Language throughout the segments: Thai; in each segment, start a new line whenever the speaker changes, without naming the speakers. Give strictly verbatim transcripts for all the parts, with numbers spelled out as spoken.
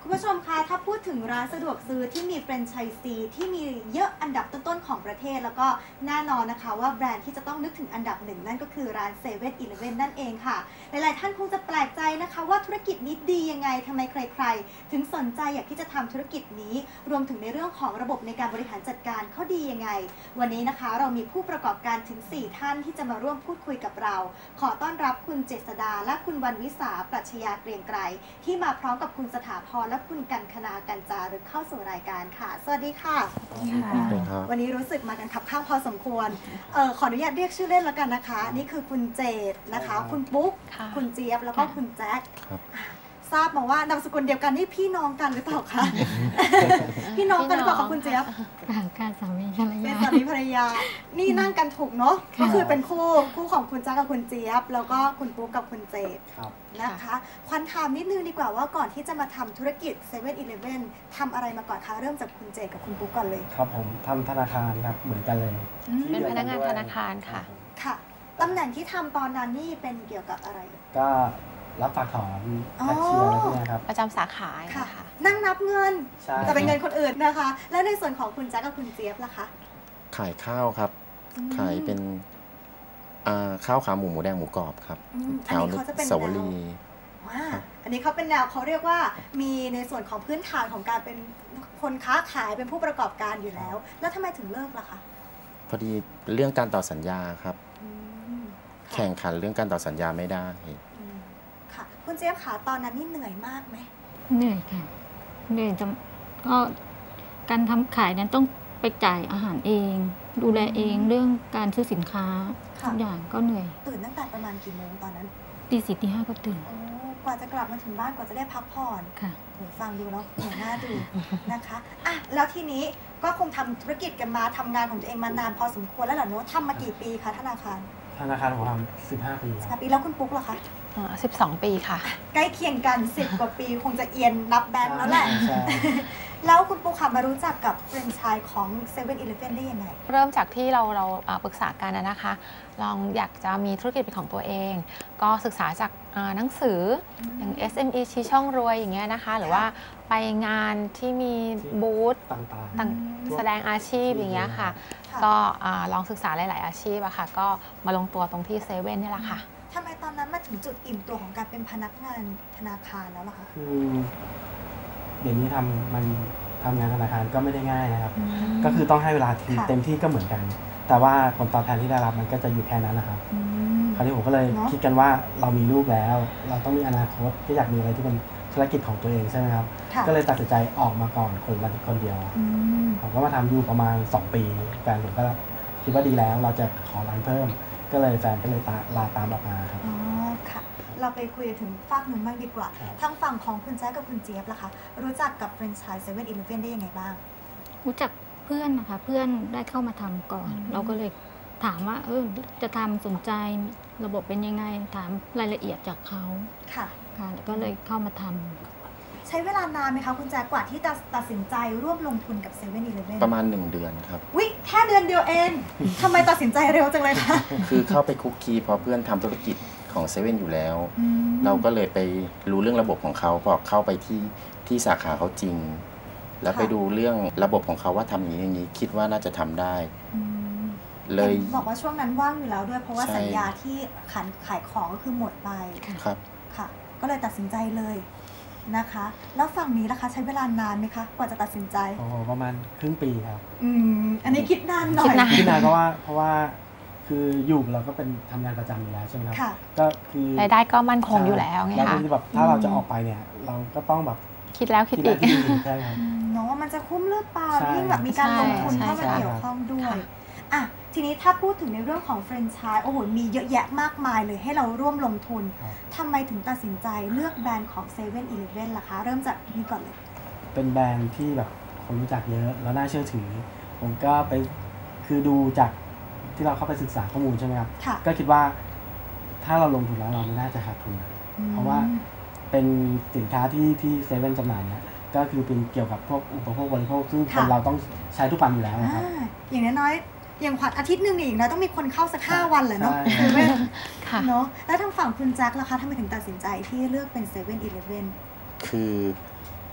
คุณผู้ชมคะถ้าพูดถึงร้านสะดวกซื้อที่มีแฟรนไชส์ซีที่มีเยอะอันดับต้นๆของประเทศแล้วก็แน่นอนนะคะว่าแบรนด์ที่จะต้องนึกถึงอันดับหนึ่งนั่นก็คือร้านเซเว่นอีเลฟเว่นนั่นเองค่ะหลายๆท่านคงจะแปลกใจนะคะว่าธุรกิจนี้ดียังไงทำไมใครๆถึงสนใจอยากที่จะทำธุรกิจนี้รวมถึงในเรื่องของระบบในการบริหารจัดการเขาดียังไงวันนี้นะคะเรามีผู้ประกอบการถึงสี่ท่านที่จะมาร่วมพูดคุยกับเราขอต้อนรับคุณเจษดาและคุณวรรณวิสาปรัชญาเกรียงไกรที่มาพร้อมกับคุณสถาพรและคุณกันคณากันจารึกเข้าสู่รายการค่ะสวัสดีค่ะวันนี้รู้สึกมากันขับข้างพอสมควรเออขออนุญาตเรียกชื่อเล่นแล้วกันนะคะนี่คือคุณเจษนะคะคุณปุ๊กคุณเจี๊ยบแล้วก็คุณแจ็คทราบมาว่านามสกุลเดียวกันนี่พี่น้องกันหรือเปล่าคะ พี่น้องกันหรือเปล่าคะคุณเจี๊ยบ
ต่างกันสามีภรรยา
เป็นสามีภรรยานี่นั่งกันถูกเนาะก็คือเป็นคู่คู่ของคุณแจ็คกับคุณเจี๊ยบแล้วก็คุณปุ๊กกับคุณเจษนะคะควันถามนิดนึงดีกว่าว่าก่อนที่จะมาทำธุรกิจเซเว่นอีเลฟเว่นทำอะไรมาก่อนคะเริ่มจากคุณเจษกับคุณปุ๊กก่อนเลย
ครับผมทำธนาคารครับเหมือนกันเลย
เป็นพนักงานธนาคารค่ะ
ค่ะตำแหน่งที่ทำตอนนั้นนี่เป็นเกี่ยวกับอะไร
ก็รับฝากถอนแคชเชียร์อะไรพวกนี้ครับ
ประจำสาขา
ค่ะนั่งนับเงินแต่เป็นเงินคนอื่นนะคะแล้วในส่วนของคุณแจ๊คกับคุณเจี๊ยบล่ะคะ
ขายข้าวครับขายเป็นข้าวขาหมูหมูแดงหมูกรอบครับ
แถวสวรีว้าอันนี้เขาเป็นแนวเขาเรียกว่ามีในส่วนของพื้นฐานของการเป็นคนค้าขายเป็นผู้ประกอบการอยู่แล้วแล้วทำไมถึงเลิกล่ะคะ
พอดีเรื่องการต่อสัญญาครับแข่งขันเรื่องการต่อสัญญาไม่ได้
ค่ะคุณเจี๊ยบขาตอนนั้นนี่เหนื่อยมากไหม
เหนื่อยค่ะเหนื่อยจะก็การทำขายนั้นต้องไปจ่ายอาหารเองดูแลเองเรื่องการซื้อสินค้าทุกอย่างก็เหนื่อย
ตื่นตั้งแต่ประมาณกี่โมงตอนนั้น
ตีสี่ตีห้าก็ตื่น
กว่าจะกลับมาถึงบ้านกว่าจะได้พักผ่อน
ค่ะ
ฟังดูแล้วเหนื่อยหน้าดูนะคะอ่ะแล้วทีนี้ก็คงทำธุรกิจกันมาทำงานของตัวเองมานานพอสมควรแล้วเหรอเนาะทำมากี่ปีคะธนาคาร
ธนาคารผมทำสิบห้าปี
สิบห้าปีแล้วคุณปุ๊กล่ะคะ
สิบสองปีค่ะ
ใกล้เคียงกันสิบกว่าปีคงจะเอียนนับแบงค์แล้วแหละแล้วคุณปุ๊กค่ะมารู้จักกับแฟรนไชส์ของเซเว่นอีเลฟเว่นได้ยังไง
เริ่มจากที่เราเราปรึกษากันนะคะลองอยากจะมีธุรกิจเป็นของตัวเองก็ศึกษาจากหนังสืออย่าง เอส เอ็ม อี ชี้ช่องรวยอย่างเงี้ยนะคะหรือว่าไปงานที่มีบูธต่างๆแสดงอาชีพอย่างเงี้ยค่ะก็ลองศึกษาหลายๆอาชีพอะค่ะก็มาลงตัวตรงที่เซเว่นนี่แหละค่ะ
ทำไมตอนนั้นมาถึงจุดอิ่มตัวของการเป็นพนักงานธนาคารแล้วล่ะคะ
คือเดี๋ยวนี้ทำมันทำงานธนาคารก็ไม่ได้ง่ายนะครับก็คือต้องให้เวลาเต็มที่ก็เหมือนกันแต่ว่าผลตอบแทนที่ได้รับมันก็จะอยู่แค่นั้นนะครับคราวนี้ผมก็เลยคิดกันว่าเรามีลูกแล้วเราต้องมีอนาคตก็อยากมีอะไรที่เป็นธุรกิจของตัวเองใช่ไหมครับก็เลยตัดสินใจออกมาก่อนคนละคนเดียวผมก็มาทำอยู่ประมาณสองปีแฟนผมก็คิดว่าดีแล้วเราจะขอร้านเพิ่มก็เลยแฟนก็เลยลาตามออกมาครับ
อ๋อค่ะเราไปคุยถึงฝั่งหนึ่งบ้างดีกว่าทางฝั่งของคุณแจ๊คกับคุณเจี๊ยบล่ะคะรู้จักกับแฟรนไชส์เซเว่นอีเลฟเว่นได้ยังไงบ้าง
รู้จักเพื่อนนะคะเพื่อนได้เข้ามาทำก่อนเราก็เลยถามว่าเออจะทำสนใจระบบเป็นยังไงถามรายละเอียดจากเขา
ค่ะ
ค่ะแล้วก็เลยเข้ามาทำ
ใช้เวลานานไหมคะคุณแจ๊คกว่าที่จะตัดสินใจร่วมลงทุนกับเซเว่นอีเลฟเว่น
ประมาณหนึ่งเดือนครับ
วิแค่เดือนเดียวเองทำไมตัดสินใจเร็วจังเลยคะ
คือเข้าไปคุกคีพอเพื่อนทำธุรกิจของเซเว่นอยู่แล้วเราก็เลยไปรู้เรื่องระบบของเขาพอเข้าไปที่ที่สาขาเขาจริงแล้วไปดูเรื่องระบบของเขาว่าทำอย่างนี้อย่างนี้คิดว่าน่าจะทำได้เลย
บอกว่าช่วงนั้นว่างอยู่แล้วด้วยเพราะว่าสัญญาที่ขายขายของก็คือหมดไป
ครับ
ค่ะก็เลยตัดสินใจเลยนะคะแล้วฝั่งนี้ล่ะคะใช้เวลานานไหมคะกว่าจะตัดสินใจ
โอ้ประมาณครึ่งปีครับ
อืมอันนี้คิดนานหน่อย
คิดนานเพราะว่าเพราะว่าคืออยู่เราก็เป็นทำงานประจำอยู่แล้วใช่ไหมครับก็คือ
รายได้ก็มั่นคงอยู่แล้วไงคะ
แล้วแบบถ้าเราจะออกไปเนี่ยเราก็ต้องแบบ
คิดแล้วคิดอีก
ใช่ครับ
เนาะว่ามันจะคุ้มหรือเปล่ายิ่งแบบมีการลงทุนเข้ามาเกี่ยวข้องด้วยอ่ะทีนี้ถ้าพูดถึงในเรื่องของแฟรนไชส์โอ้โหมีเยอะแยะมากมายเลยให้เราร่วมลงทุนทำไมถึงตัดสินใจเลือกแบรนด์ของเซเว่นอีเลฟเว่นล่ะคะเริ่มจากนี้ก่อนเลย
เป็นแบรนด์ที่แบบคนรู้จักเยอะแล้วน่าเชื่อถือผมก็ไปคือดูจากที่เราเข้าไปศึกษาข้อมูลใช่ไหมครับก็คิดว่าถ้าเราลงทุนแล้วเราไม่น่าจะขาดทุนเพราะว่าเป็นสินค้าที่ที่เซเว่นจำหน่ายเนี่ยก็คือเป็นเกี่ยวกับพวกอุปโภคบริโภคซึ่งคนเราต้องใช้ทุกวันอยู่แล้วนะครับ
อย่างน้อยอย่างขวัญอาทิตย์หนึ่งอีกนะต้องมีคนเข้าสักห้าวันแหละเนาะเซเว่นเนาะแล้วทางฝั่งคุณแจ็คล่ะคะทำไมถึงตัดสินใจที่เลือกเป็นเซเว่นอีเลฟเว่น
คือ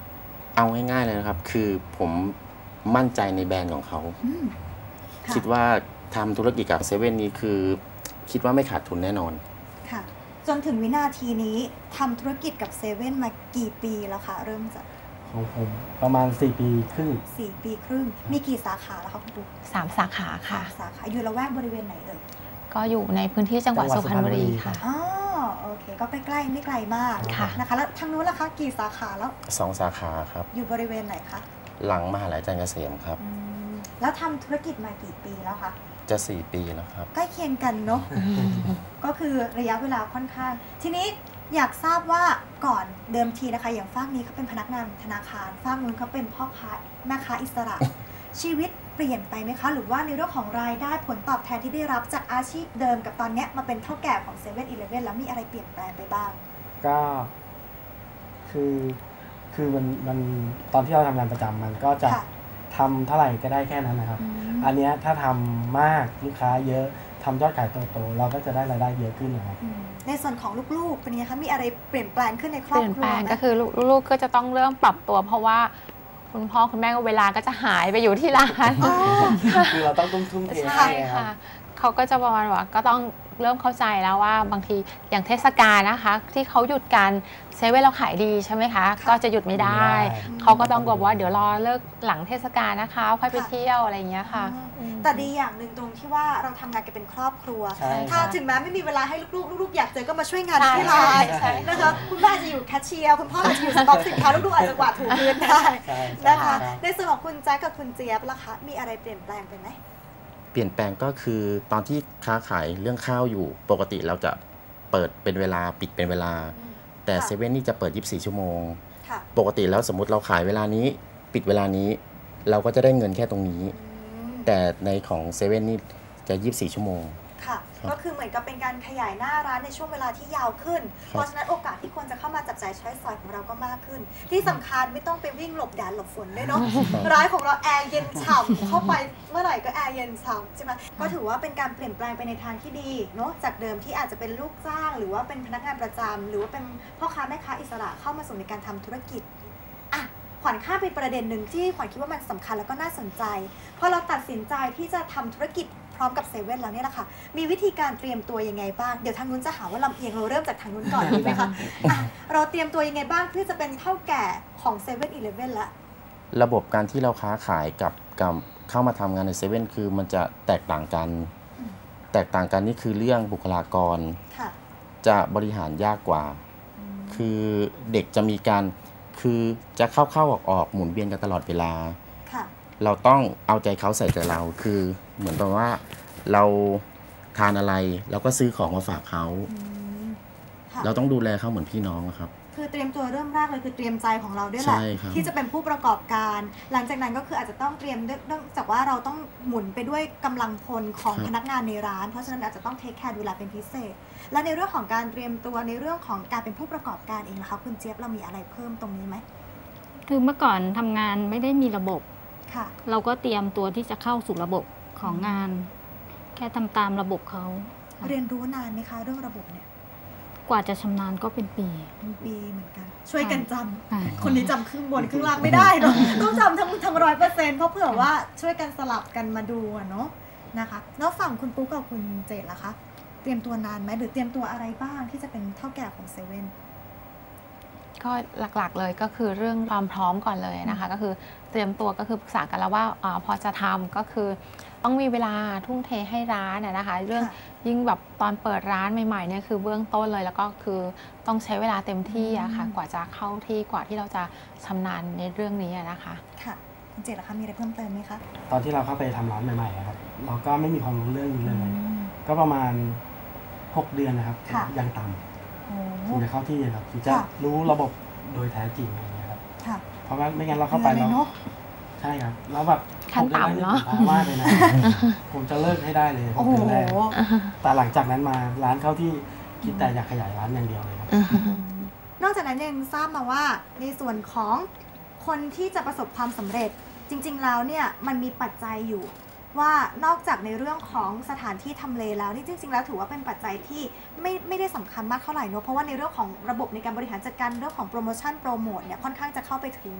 เอาง่ายๆเลยนะครับ คือผมมั่นใจในแบรนด์ของเขา
อืมะ
คิดว่าทำธุรกิจกับเซเว่นนี้คือ คิดว่าไม่ขาดทุนแน่นอน
ค่ะ จนถึงวินาทีนี้ทำธุรกิจกับเซเว่นมากี่ปีแล้วคะเริ่มจาก
ของผมประมาณสี่ปีครึ่ง
สี่ปีครึ่ง มีกี่สาขาแล้วคะคุณปุ๊ก
สามสาขาค่ะ
สาขาอยู่ละแวกบริเวณไหนเอ่ย
ก็อยู่ในพื้นที่จังหวัด
จังหวั
สุ
ด
พรรณบุรี
สุพรรณบุรี
ค่ะ
อ๋อโอเค ก็ใกล้ๆไม่ไกลมาก
ค่ะ
นะคะแล้วทางนู้นล่ะคะกี่สาขาแล้ว
สองสาขาครับ
อยู่บริเวณไหนคะ
หลังมหาลัยจันทร์เกษมครับ
อืมแล้วทำธุรกิจมากี่ปีแล้วคะ
จะสี่ปีแล้วครับ
ใกล้เคียงกันเนาะ ก็คือระยะเวลาค่อนข้าง ทีนี้อยากทราบว่าก่อนเดิมทีนะคะ อย่างฝ้ากนี้เขาเป็นพนักงานธนาคารฝ้ากนู้นเขาเป็นพ่อค้าแม่ค้าอิสระ ชีวิตเปลี่ยนไปไหมคะ หรือว่าในเรื่องของรายได้ผลตอบแทนที่ได้รับจากอาชีพเดิมกับตอนเนี้ยมาเป็นเท่าแก่ของเซเว่นอีเลฟเว่นแล้วมีอะไรเปลี่ยนแปลงไปบ้าง
ก็คือคือมันมันตอนที่เราทำงานประจำมันก็จะ
ค่ะ
ทำเท่าไหร่ก็ได้แค่นั้นนะครับ
อืม
อันเนี้ยถ้าทำมากลูกค้าเยอะทำยอดขายโตๆเราก็จะได้รายได้เยอะขึ้นนะครับ
อืมในส่วนของลูกๆเป็นยังไงคะมีอะไรเปลี่ยนแปลงขึ้นในคร
เป
อบ
ลี่ยน
ครั
แป
ว
ลง
ไหม
ก็คือลูกๆก็จะต้องเริ่มปรับตัว เพราะว่าคุณพ่อคุณแม่ก็เวลาก็จะหายไปอยู่ที่ร้าน
อ๋อ
คือเราต้องตุ้มทุ่มเท
ใช่
ให้ครั
ค่ะ
บ
เขาก็จะประมาณว่าก็ต้องเริ่มเข้าใจแล้วว่าบางทีอย่างเทศกาลนะคะ ที่เขาหยุดกันเซเว่นเราขายดีใช่ไหมคะ ก็จะหยุดไม่ได้
ไม่ได้
เขาก็ต้องบอกว่าเดี๋ยวรอเลิกหลังเทศกาลนะคะค่อยไปเที่ยวอะไรอย่างเงี้ยค่ะ
อืมแต่ดีอย่างหนึ่งตรงที่ว่าเราทำงานกันเป็นครอบครัว
ใช่
ถ้า
ครับ
ถึงแม้ไม่มีเวลาให้ลูกๆลูกๆอยากเจอก็มาช่วยงาน
ใช่
ที่ร้าน
ใช่
นะคะคุณแม่อาจจะอยู่แคชเชียร์คุณพ่ออาจจะอยู่สต็อกสินค้าลูกๆอาจจะกวาดถูพื้นได้
ใช่
นะคะ
ใช่
ในส่วนของคุณแจ๊คกับคุณเจี๊ยบล่ะคะมีอะไรเปลี่ยนแปลงไปไหม
เปลี่ยนแปลงก็คือตอนที่ค้าขายเรื่องข้าวอยู่ ปกติเราจะเปิดเป็นเวลาปิดเป็นเวลา แต่
ค่ะ
เซเว่นนี่จะเปิดยี่สิบสี่ชั่วโมง
ค่ะ
ปกติแล้วสมมติเราขายเวลานี้ ปิดเวลานี้ เราก็จะได้เงินแค่ตรงนี้
อืม
แต่ในของเซเว่นนี่จะยี่สิบสี่ชั่วโมง
ค่ะ
ครับ
ก็คือเหมือนกับเป็นการขยายหน้าร้านในช่วงเวลาที่ยาวขึ้น
ครับ
เพราะฉะนั้นโอกาสที่คนจะเข้ามาจับจ่ายใช้สอยของเราก็มากขึ้น ที่สำคัญไม่ต้องไปวิ่งหลบแดดหลบฝนด้วยเนาะ ร้านของเราแอร์เย็นฉ่ำเข้าไปเมื่อไหร่ก็แอร์เย็นฉ่ำใช่ไหมก็ถือว่าเป็นการเปลี่ยนแปลงไปในทางที่ดีเนาะจากเดิมที่อาจจะเป็นลูกจ้าง หรือว่าเป็นพนักงานประจำหรือว่าเป็นพ่อค้าแม่ค้าอิสระเข้ามาสู่ในการทำธุรกิจอ่ะขวัญข้ามไปประเด็นหนึ่งที่ขวัญคิดว่ามันสำคัญแล้วก็น่าสนใจพอเราตัดสินใจที่จะทำธุรกิจพร้อมกับเซเว่นแล้วเนี่ยแหละค่ะมีวิธีการเตรียมตัวยังไงบ้างเดี๋ยวทางนู้นจะหาว่าลำเอียงเราเริ่มจากทางนู้นก่อนดีไหมคะอ่ะเราเตรียมตัวยังไงบ้างเพื่อจะเป็นเท่าแก่ของเซเว่นอีเลฟเว่นละ
ระบบการที่เราค้าขายกับกับเข้ามาทำงานในเซเว่นคือมันจะแตกต่างกัน
อืม
แตกต่างกันนี่คือเรื่องบุคลากร
ค่ะ
จะบริหารยากกว่า คือเด็กจะมีการคือจะเข้าเข้าออกออกหมุนเวียนกันตลอดเวลา
ค่ะ
เราต้องเอาใจเขาใส่ใจเรา คือเหมือนกับว่าเราทานอะไรเราก็ซื้อของมาฝากเขา
อืมค่ะ
เราต้องดูแลเขาเหมือนพี่น้องอะครับ
คือเตรียมตัวเริ่มแรกเลยคือเตรียมใจของเราด้วยแหละ
ใช่ครับ
ที่จะเป็นผู้ประกอบการ หลังจากนั้นก็คืออาจจะต้องเตรียมเนื่องจากว่าเราต้องหมุนไปด้วยกำลังพลของพนักงานในร้าน เพราะฉะนั้นอาจจะต้องเทคแคร์ดูแลเป็นพิเศษ และในเรื่องของการเตรียมตัวในเรื่องของการเป็นผู้ประกอบการเองนะคะคุณเจี๊ยบเรามีอะไรเพิ่มตรงนี้ไหม
คือเมื่อก่อนทำงานไม่ได้มีระบบ
ค่ะ
เราก็เตรียมตัวที่จะเข้าสู่ระบบของงาน แค่ทำตามระบบเขา
เรียนรู้นานไหมคะเรื่องระบบเนี่ย
กว่าจะชำนาญก็เป็นปี
เป็นปีเหมือนกัน ช่วยกันจำ
ค่ะ
คนนี้จำครึ่งบนครึ่งล่างไม่ได้เนาะ ต้องจำทั้งทั้งร้อยเปอร์เซ็นต์เพราะเผื่อว่าช่วยกันสลับกันมาดูอะเนาะนะคะ แล้วฝั่งคุณปุ๊กกับคุณเจดล่ะคะ เตรียมตัวนานไหมหรือเตรียมตัวอะไรบ้างที่จะเป็นเท่าแก่ของเซเว่น
ก็หลักๆเลยก็คือเรื่องความพร้อมก่อนเลยนะคะ ก็คือเตรียมตัวก็คือปรึกษากันแล้วว่าอาพอจะทำก็คือต้องมีเวลาทุ่มเทให้ร้านนะนะคะ เรื่อง
ค่ะ
ยิ่งแบบตอนเปิดร้านใหม่ๆเนี่ยคือเบื้องต้นเลยแล้วก็คือต้องใช้เวลาเต็มที่อะค่ะ
อืม
กว่าจะเข้าที่กว่าที่เราจะชำนาญในเรื่องนี้อะนะคะ
ค่ะคุณเจดล่ะคะมีอะไรเพิ่มเติมไหมคะ
ตอนที่เราเข้าไปทำร้านใหม่ๆอะครับ เราก็ไม่มีความรู้เรื่องนี้เลย
อืม
ก็ประมาณหกเดือนนะครับ
ค่ะ
ยังต่
โอ้
ำถึงจะเข้าที่ครับถึงจะ
ค่ะ
รู้ระบบโดยแท้จริงอะไรเงี้ยครับ
ค่ะ
เพราะว่าไม่งั้นเราเข้าไป
เหนื่
แล้
อยว เลยเนาะ
ใช่ครับแล้วแบบ
ขั้นต่ำเนอะ
ผมมากเลยนะ ผมจะเลิกให้ได้เลย
โอ้โห
ผมแรกแต่หลังจากนั้นมาร้านเข้าที่คิดแต่อยากขยายร้านอย่างเดียวเลยครับ
นอกจากนั้นยังทราบมาว่าในส่วนของคนที่จะประสบความสำเร็จ จริงๆแล้วเนี่ยมันมีปัจจัยอยู่ ว่านอกจากในเรื่องของสถานที่ทำเลแล้วนี่จริงๆแล้วถือว่าเป็นปัจจัยที่ไม่ไม่ได้สำคัญมากเท่าไหร่เนอะเพราะว่าในเรื่องของระบบในการบริหารจัดการเรื่องของโปรโมชั่นโปรโมทเนี่ยค่อนข้างจะเข้าไปถึง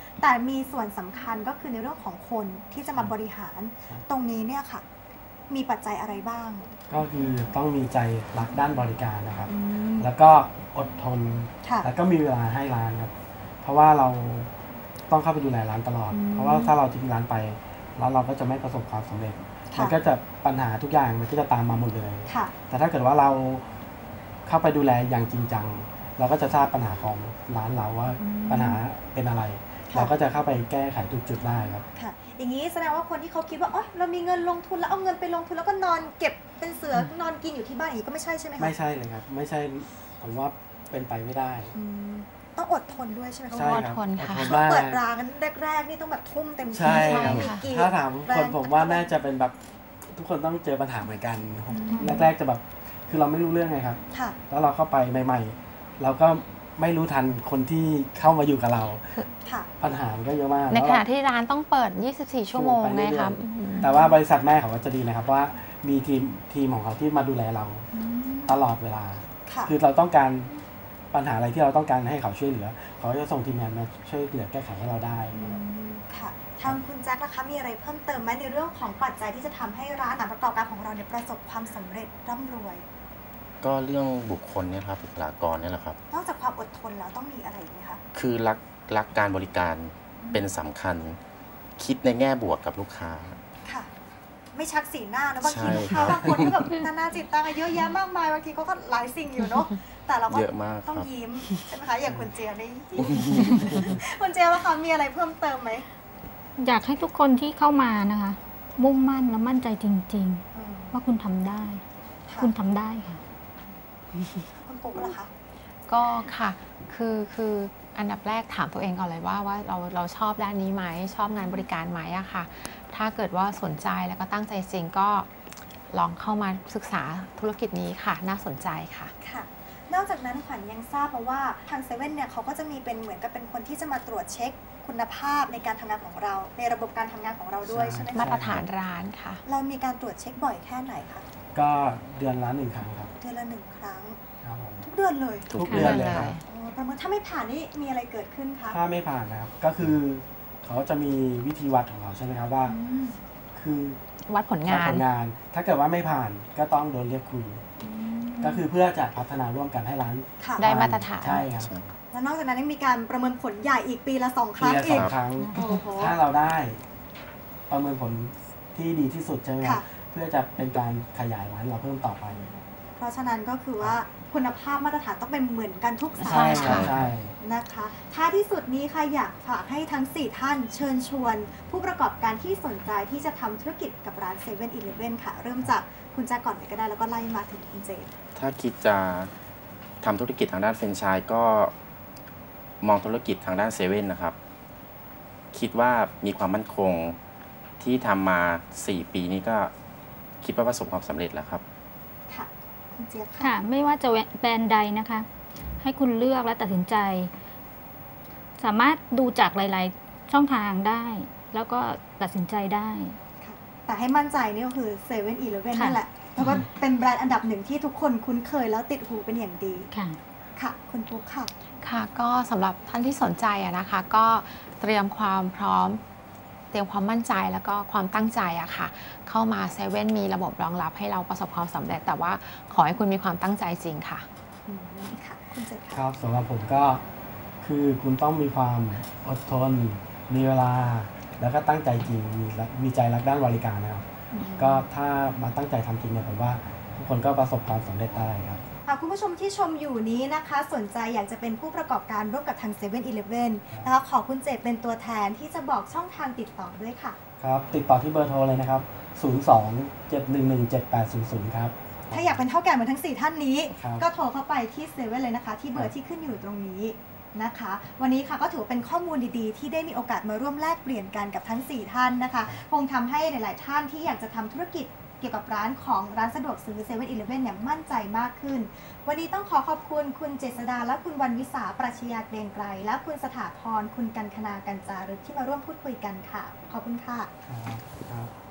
แต่มีส่วนสำคัญก็คือในเรื่องของคนที่จะมาบริหารตรงนี้เนี่ยค่ะมีปัจจัยอะไรบ้าง
ก็คือต้องมีใจรักด้านบริการนะครับ
อืม
แล้วก็อดทน
ค่ะ
แล้วก็มีเวลาให้ร้านครับ เพราะว่าเราต้องเข้าไปดูแลร้านตลอด
อืม
เพราะว่าถ้าเราทิ้งร้านไปร้านเราก็จะไม่ประสบความสำเร็จ
ค่ะ
มันก็จะปัญหาทุกอย่างมันก็จะตามมาหมดเลย
ค่ะ
แต่ถ้าเกิดว่าเราเข้าไปดูแลอย่างจริงจังเราก็จะทราบปัญหาของร้านเราว่า
อืม
ปัญหาเป็นอะไร
ค่ะ
เราก็จะเข้าไปแก้ไขทุกจุดได้ครับ
ค่ะอย่างนี้แสดงว่าคนที่เขาคิดว่าอ๋อเรามีเงินลงทุนแล้วเอาเงินไปลงทุนแล้วก็นอนเก็บเป็นเสือนอนกินอยู่ที่บ้านอย่างนี้ก็ไม่ใช่ใช่ไหมคะ
ไม่ใช่เลยครับ ไม่ใช่ผมว่าเป็นไปไม่ได้
อืมต้องอดทนด้วยใช่ไหมคะ
ใช่
อ
ค
ด
รับ
ทนค่ะ
อดทนมาก
เปิดร้านแรกๆนี่ต้องแบบทุ่มเต็มที่
ใช่ครับ
มีกี่
ถ้าถาม
แบร
คน
ด์
ผมว่าน่าจะเป็นแบบทุกคนต้องเจอปัญหาเหมือนกันแรกๆจะแบบคือเราไม่รู้เรื่องไงครับ
ค่ะ
แล้วเราเข้าไปใหม่ ๆ เราก็ไม่รู้ทันคนที่เข้ามาอยู่กับเรา
ค่ะ
ปัญหามันก็เยอะมาก
ใน
แล้ว
ขณะที่ร้านต้องเปิด ยี่สิบสี่ ชั่วโมง
ไปเรื่
นะ
อยๆ
ครับ
แต่ว่าบริษัทแม่เขาก็จะดีนะครับว่ามีทีมทีมของเขาที่มาดูแลเรา
อืม
ตลอดเวลา
ค่ะ
คือเราต้องการปัญหาอะไรที่เราต้องการให้เขาช่วยเหลือ เขาจะส่งทีมงานมาช่วยเหลือแก้ไขให้เราได้
อืมค่ะทางคุณแจ็คล่ะคะมีอะไรเพิ่มเติมไหมในเรื่องของปัจจัยที่จะทำให้ร้านอาหารประกอบการของเราเนี่ยประสบความสำเร็จร่ำรวย
ก็เรื่องบุคคลเนี่ยครับบุคลากรเนี่ยแหละครับ
นอกจากความอดทนแล้วต้องมีอะไรอีกไหมคะ
คือรักรักการบริการเป็นสำคัญ คิดในแง่บวกกับลูกค้า
ค่ะ ไม่ชักสีหน้านะบางที
ใช่
ลูก
ครั
ค้า
บ
บางคนก็แบบนานาจิตตังเยอะแยะมากมายบางทีเขาก็หลายสิ่งอยู่เนาะแต่เราก็
เยอะมาก
ต้อง
ครับ
ยิ้มใช่ไหมคะอย่างคุณเจียบนี่ คุณเจียบว่าคะมีอะไรเพิ่มเติมไหม
อยากให้ทุกคนที่เข้ามานะคะ มุ่งมั่นและมั่นใจจริง
อืม
ๆ ว่าคุณทำได้
ค่ะ
คุณทำได้ค่ะ
คุณปุ๊กล่ะคะ
ก็ค่ะ คือคืออันดับแรกถามตัวเองก่อนเลยว่าว่าเราเราชอบด้านนี้ไหมชอบงานบริการไหมอะค่ะ ถ้าเกิดว่าสนใจแล้วก็ตั้งใจจริงก็ลองเข้ามาศึกษาธุรกิจนี้ค่ะ น่าสนใจค่ะ
ค่ะ นอกจากนั้นขวัญยังทราบมาว่าทางเซเว่นเนี่ยเขาก็จะมีเป็นเหมือนกับเป็นคนที่จะมาตรวจเช็คคุณภาพในการทำงานของเรา ในระบบการทำงานของเราด้วยใช่ไหม
มา
คะ
ตรฐานร้านค่ะ
เรามีการตรวจเช็คบ่อยแค่ไหนคะ
ก็เดือนละหนึ่งครั้งครับ
เดือนละหนึ่งครั้ง
ครับผม
ทุกเดือนเลย
ทุ
ทุ
ก
กเดือนเลยครับ
อ๋อประเมินถ้าไม่ผ่านนี่มีอะไรเกิดขึ้นคะ
ถ้าไม่ผ่านนะครับ ก็คือเขาจะมีวิธีวัดของเขาใช่ไหมครับว่า
อืม
คือ
วัดผล
วัด
งา
ผ
น
ลงาน ถ้าเกิดว่าไม่ผ่านก็ต้องโดนเรียกคุย ก็คือเพื่อจะพัฒนาร่วมกันให้ร้าน
ค่ะ
ได้มาตรฐาน
ใช่ครับ
แล้วนอกจากนั้นยังมีการประเมินผลใหญ่อีกปีละสองค
ปี
รั้ง
ละส
อี
อก งครั้ง
โอ้โห
ถ้าเราได้ประเมินผลที่ดีที่สุดใช่ไหมครั
ค่ะ
บเพื่อจะเป็นการขยายร้านเราเพิ่มต่อไป
เพราะฉะนั้นก็คือว่าคุณภาพมาตรฐานต้องเป็นเหมือนกันทุกสา
ใช่
ขา
ครับใช่
นะคะท้ายที่สุดนี้ค่ะอยากฝากให้ทั้งสี่ท่านเชิญชวน ผู้ประกอบการที่สนใจที่จะทำธุรกิจกับร้านเซเว่นอีเลฟเว่นค่ะ เริ่มจากคุณแจ็คก่อนเลยก็ได้แล้วก็ไล่มาถึงคุณเจน
ถ้าคิดจะทำธุรกิจทางด้านแฟรนไชส์ก็มองธุรกิจทางด้านเซเว่นนะครับ คิดว่ามีความมั่นคงที่ทำมาสี่ปีนี้ก็คิดว่าประสบความสำเร็จแล้วครับ
ค่ะ คุณเจี๊ยบค่ะ
ค่ะ ไม่ว่าจะแบรนด์ใดนะคะ ให้คุณเลือกและตัดสินใจ สามารถดูจากหลาย ๆ ช่องทางได้ แล้วก็ตัดสินใจได้
ค่ะแต่ให้มั่นใจนี่ก็คือเซเว่นอีเลฟเว่น
ค่ะ
นั่นแหละแล้วก็เป็นแบรนด์อันดับหนึ่งที่ทุกคนคุ้นเคยแล้วติดหูเป็นอย่างดี
ค่ะ
ค่ะ คุณปุ๊กค่ะ
ค่ะก็สำหรับท่านที่สนใจอะนะคะ ก็เตรียมความพร้อม เตรียมความมั่นใจแล้วก็ความตั้งใจอะค่ะ เข้ามาเซเว่นมีระบบรองรับให้เราประสบความสำเร็จ แต่ว่าขอให้คุณมีความตั้งใจจริงค่ะ
อืมค่ะ คุณเจน
ค
ค่ะ
รับสำหรับผมก็คือคุณต้องมีความอดทน มีเวลา แล้วก็ตั้งใจจริง มีรักมีใจรักด้านบริการนะครับ ก็ถ้ามาตั้งใจทำจริงเนี่ยผมว่าทุกคนก็ประสบความสำเร็จได้ครับ
ค่ะคุณผู้ชมที่ชมอยู่นี้นะคะ สนใจอยากจะเป็นผู้ประกอบการร่วมกับทางเซเว่นอีเลฟเว่นนะคะขอคุณเจตเป็นตัวแทนที่จะบอกช่องทางติดต่อด้วยค่ะ
ครับ ติดต่อที่เบอร์โทรเลยนะครับ ศูนย์ สอง เจ็ด หนึ่ง หนึ่ง เจ็ด แปด ศูนย์ ศูนย์ ครับ
ถ้าอยากเป็นเท่าแก่เหมือนทั้งสี่ท่านนี้
ครับ
ก็โทรเข้าไปที่เซเว่นเลยนะคะ ที่เบอร์ที่ขึ้นอยู่ตรงนี้นะคะ วันนี้ค่ะก็ถือเป็นข้อมูลดีๆ ที่ได้มีโอกาสมาร่วมแลกเปลี่ยนกันกับทั้งสี่ท่านนะคะ คงทำให้หลายๆท่านที่อยากจะทำธุรกิจเกี่ยวกับร้านของร้านสะดวกซื้อเซเว่นอีเลฟเว่นเนี่ยมั่นใจมากขึ้น วันนี้ต้องขอขอบคุณคุณเจษดาและคุณวันวิสาปรัชญาเกรียงไกรและคุณสถาพรคุณกันคณากันจารึกที่มาร่วมพูดคุยกันค่ะ ขอบคุณค่ะ
ครับครับ